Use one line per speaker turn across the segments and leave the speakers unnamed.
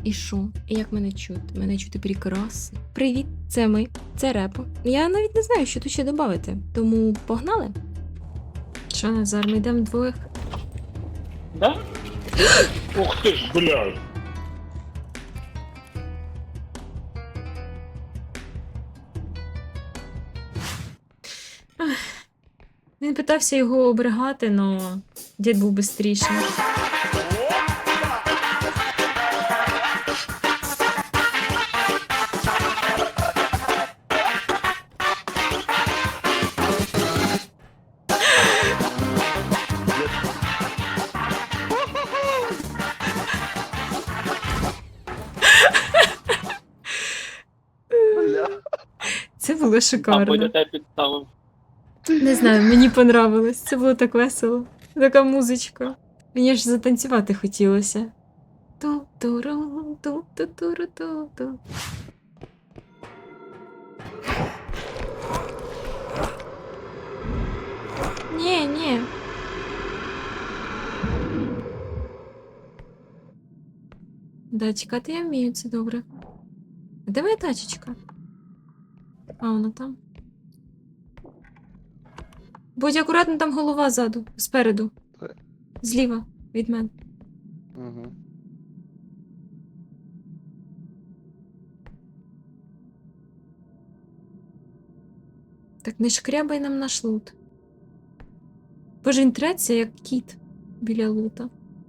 І що? І як мене чути? Мене чути прекрасно. Привіт, це ми, це Репо. Я навіть не знаю, що тут ще додати. Тому погнали? Що, Назар, ми йдемо двох?
Да? Ух ты ж, блядь.
Він питався його оберігати, але дід був бистріший. Це було
Там
шикарно.
Бодя тебе підставив.
Не знаю, мені понравилось. Це було так весело. Така музичка. Мені аж затанцювати хотілося. Ту-туру, ту-ту-туру-ту-ту. Ні. Да, чекати я вмію, це добре. А де моя тачечка? А, вона там. Будь акуратно, там голова ззаду, спереду. Зліва від мене.
Угу.
Так не шкрябай нам наш лут. Боже, він треться, як кіт біля лута.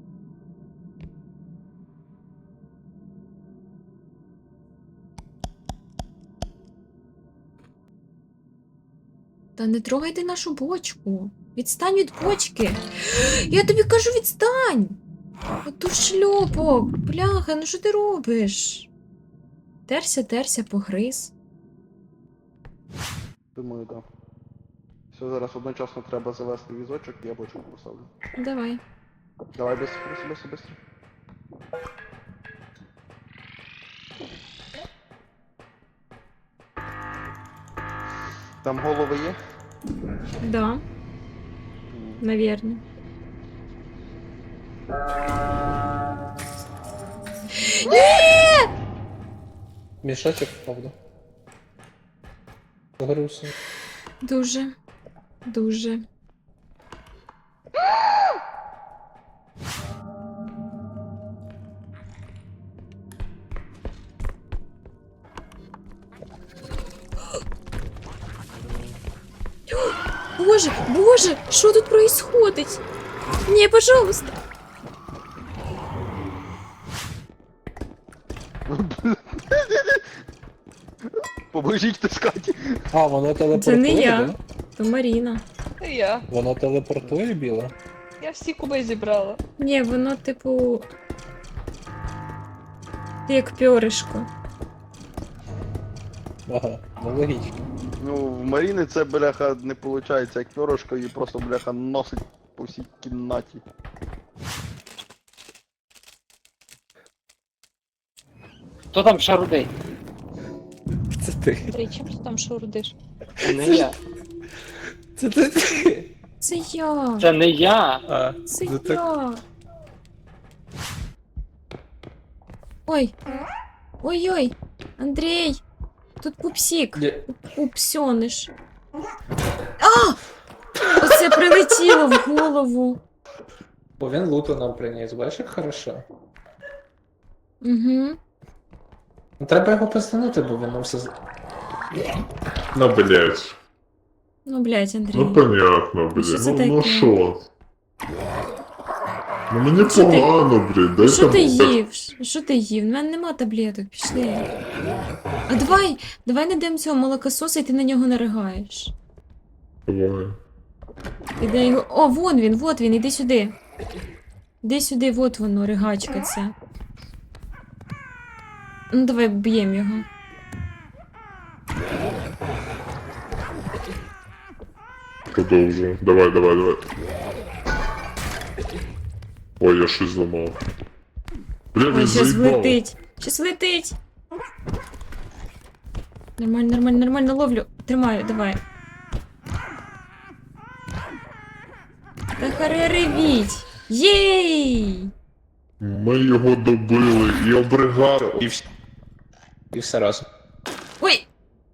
Та не трогайте нашу бочку. Відстань від бочки. Я тобі кажу, відстань. Оту шльопок. Бляха, ну що ти робиш? Терся, погриз.
Думаю, так. Все, зараз одночасно треба завести візочок і я бочку поставлю.
Давай.
Давай, быстро. Там голови є?
Да, наверное.
Мішочок, правда. Грустно.
Дуже. Боже, що тут происходить? Не, пожалуйста.
Поможіть таскати.
А, воно телепортує,
Це не я.
да?
То Маріна.
Це я.
Воно телепортує біле?
Я всі куби зібрала.
Ні, воно типу. Як пьоришко.
Ага, ну логічно.
Ну, в Маріни це, бляха, не виходить як пьорошко, і просто, бляха, носить по всій кімнаті.
Хто там шарудить?
Це ти.
Андрій, чим ти там шурдиш?
Це не я.
Це ти.
Це я.
Це не я.
А,
Це
ну так.
я. Ой. Ой-ой. Андрій. Тут пупсік.
Ні.
Пупсьониш. А! Оце прилетіло в голову.
Бо він луту нам приніс, бачиш, як хорошо.
Угу.
Ну, треба його постанути, бо він нам все...
Ну, блядь.
Ну, блядь, Андрій.
Ну, понятно,
Ну, що
блядь.
це
Ну,
таке?
ну що? Ну, мені
Що ти-
погано, блядь.
Ну,
Дайте
що ти
мені-
їв? Що ти їв? У мене нема таблеток, пішли. А давай найдемо цього молокососа і ти на нього наригаєш.
Давай.
Іде його. О, вон він, іди сюди. Іди сюди, вот воно, ригачка ця. Ну, давай б'ємо його.
Продовжуємо. Давай. Ой, я щось зламав. Бля,
Ой,
він
щас
заїбав.
влетить. Щас летить. Нормально ловлю. Тримаю, давай. Та харе ревіть. Єй!
Ми його добили і обригали.
І все разом.
Ой!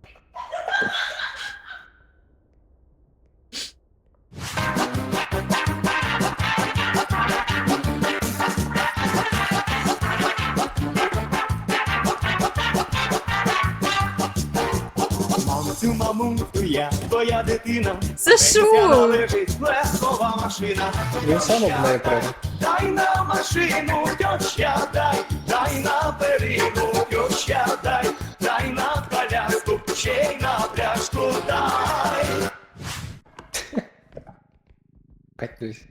Мамцю, мамунцю, я твоя дитина.
За
Пенсія
що?
належить легкова машина.
Він сам об неї прямо.
Дай на машину, тьоща, дай на перину, тьоща, дай на коляску, ще й на пляшку дай.
Кать, дивись.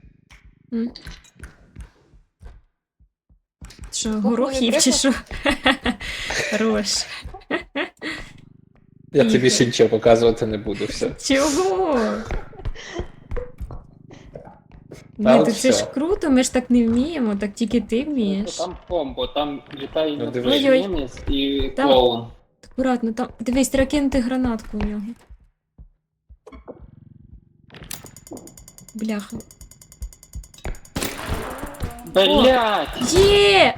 Що, горох їв чи що? Хорош.
Я тобі ще нічого показувати не буду, все.
Чого?
Та
Ні,
от
то це ж
всьо.
круто, ми ж так не вміємо, так тільки ти
Ну,
вмієш.
там комбо, там літає
Ну, дивись.
інопланетянець і
Там-
клоун.
Акуратно, там. Дивись, треба кинути гранатку у нього. Бляха.
Блять!
Є!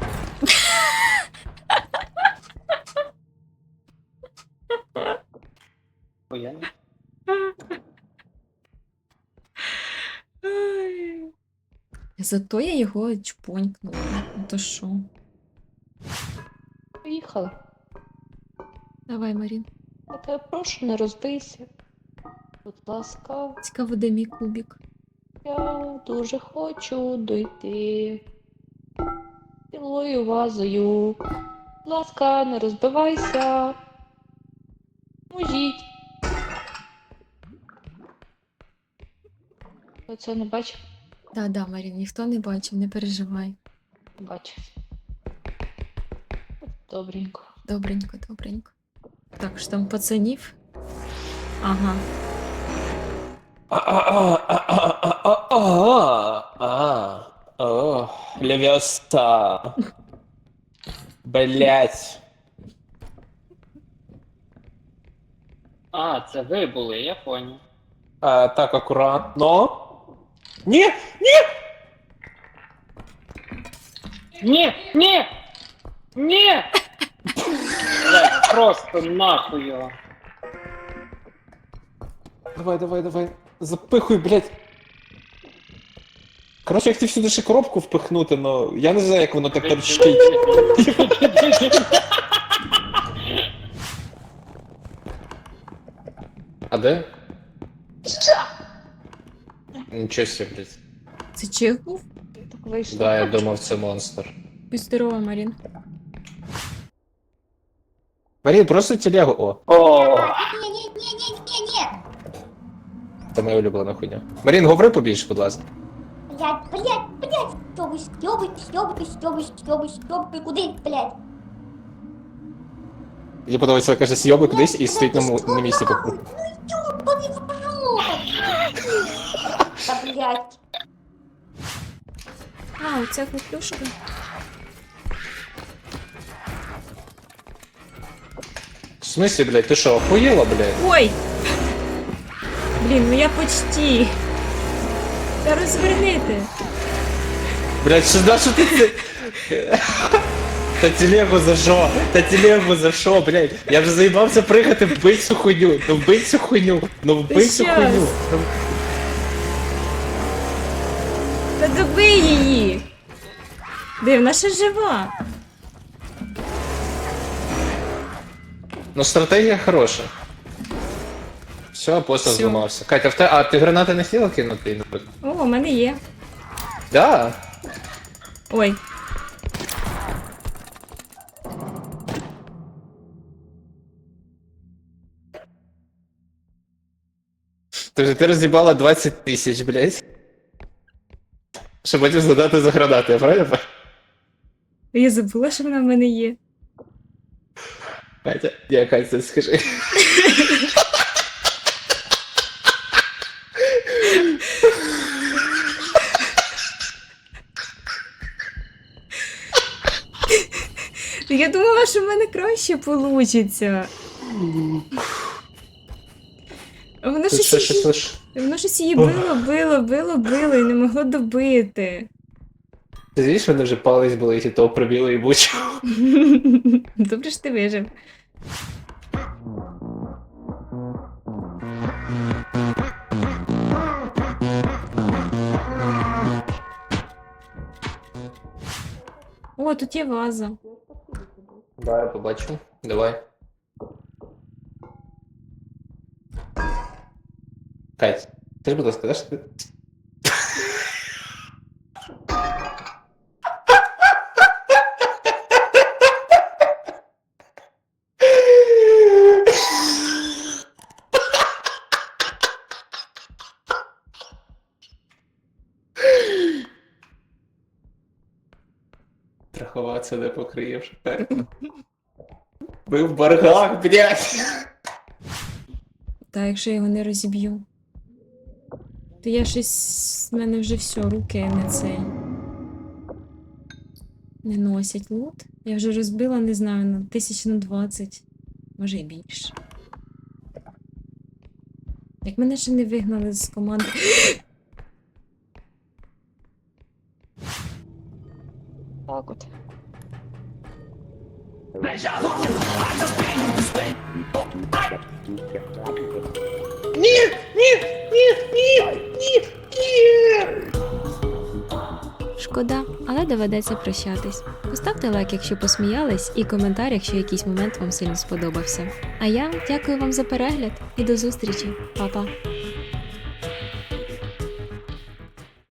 Охуєнно.
Ай. Зато я його чпонькнула. Ну то що?
Поїхали.
Давай, Марін.
Я тебе прошу, не розбийся. Будь ласка,
Цікаво, де мій кубик.
я дуже хочу дойти. Цілою вазою. Будь ласка, не розбивайся. Мужіть. Ви це не бачив?
Да, Марін, ніхто не бачив, не переживай.
Бачив. Добренько.
Добренько, добренько. Так, що там пацанів? Ага.
Левіоста. Блять.
А, це ви були, я понял.
Так, акуратно. Ні!
Ні! Ні! Ні! Блять, просто нахуй його.
Давай. Запихуй, блять. Коротше, я хотів сюди ще коробку впихнути, но я не знаю, як воно так торчить. А де? Нічого себе, блядь.
Це чих був?
Так вийшло.
Да, я думав, це монстр.
Будь здорова, Марін.
Марін, просто телегу. О,
О,
Не-не-не-не-не-не!
це моя улюблена хуйня. Марін, говори побільше, будь ласка.
Блядь! Стёбы, куди, блядь?
Мені подобається, каже, сйоби кудись і стоїть на місці.
Ну ёбаный в рот! Да, блядь.
А, оця хлопушка.
В смысле, блядь, ти що, охуєла, блядь?
Ой! Блін, ну я почти. Та розвернити.
Блядь, що ти це? Та телегу за що? Та телегу за що, блядь? Я вже заїбався пригати, вбить цю хуйню. Ну вбить цю хуйню. Ну вбить цю
щас.
хуйню.
Та добий її. Де, вона ще жива.
Ну стратегія хороша. Все, апостол
Всё.
зламався. Катя, а ти гранати не хотіла кинути?
О, у мене є.
Да.
Ой.
Ти роз'їбала 20 тисяч, блядь. Щоб потім згадати за гранати, я правильно?
Я забула, що вона в мене є.
Катя, я Катя, скажи.
Я думала, що в мене краще вийде. Воно
Тут
щось,
що лиш.
воно щось її било і не могло добити.
Ти знаєш, мене вже палець болить і того пробіло і бучу.
Добре ж ти вижив. О, тут є ваза.
Да, я побачу. Давай. Кать, ти ж, будь ласка, даш ти? Страхуватися не покриєш. Ви в боргах, блядь!
Та якщо я його не розіб'ю. То я щось. В мене вже все, руки не цей. Не носять лут. Я вже розбила, не знаю, на 1020. Може і більше. Як мене ще не вигнали з команди.
Так от.
Шкода, але доведеться прощатись. Поставте лайк, якщо посміялись, і коментар, якщо якийсь момент вам сильно сподобався. А я дякую вам за перегляд і до зустрічі. Па-па!